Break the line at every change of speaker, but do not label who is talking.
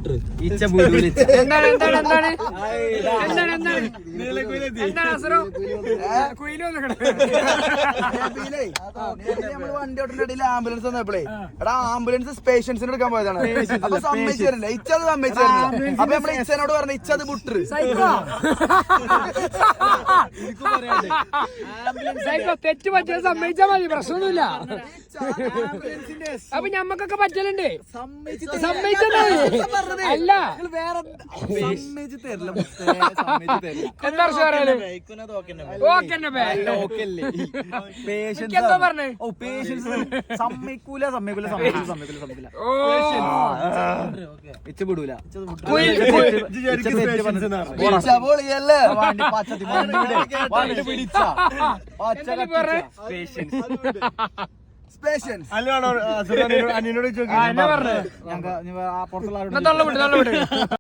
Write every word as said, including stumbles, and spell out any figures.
ഇച്ച
എന്താണ് എന്താണ് എന്താണ് എന്താണ് എന്താണ് എന്താണ് അസുറോ
നമ്മള് വണ്ടി ഓട്ടുന്ന ഇടയിൽ ആംബുലൻസ് വന്നപ്പോഴേ എടാ ആംബുലൻസ് പേഷ്യൻസിന് എടുക്കാൻ പോയതാണ്. അപ്പൊ സമ്മതിച്ചു തരില്ല, ഇച്ചത് സമ്മതിച്ചു തരില്ല. അപ്പൊ നമ്മളെ ഇച്ചനോട് പറഞ്ഞ ഇച്ചത് ബുട്ടർ
തെറ്റ് പറ്റിയത് സമ്മതിച്ചാ മതി, പ്രശ്നമൊന്നുമില്ല. അപ്പൊ ഞമ്മക്കൊക്കെ പറ്റലുണ്ട്, സമ്മതിച്ചത് അല്ല എന്താ പറയാനും എന്താ പറഞ്ഞേ
സമ്മതിക്കൂല സമ്മതിക്കൂല സമ്മതിക്കൂല സമ്മതിക്കൂല സമ്മതിക്കൂല ഇച്ച വിടൂല
അനിയനോട്
പുറത്തുള്ള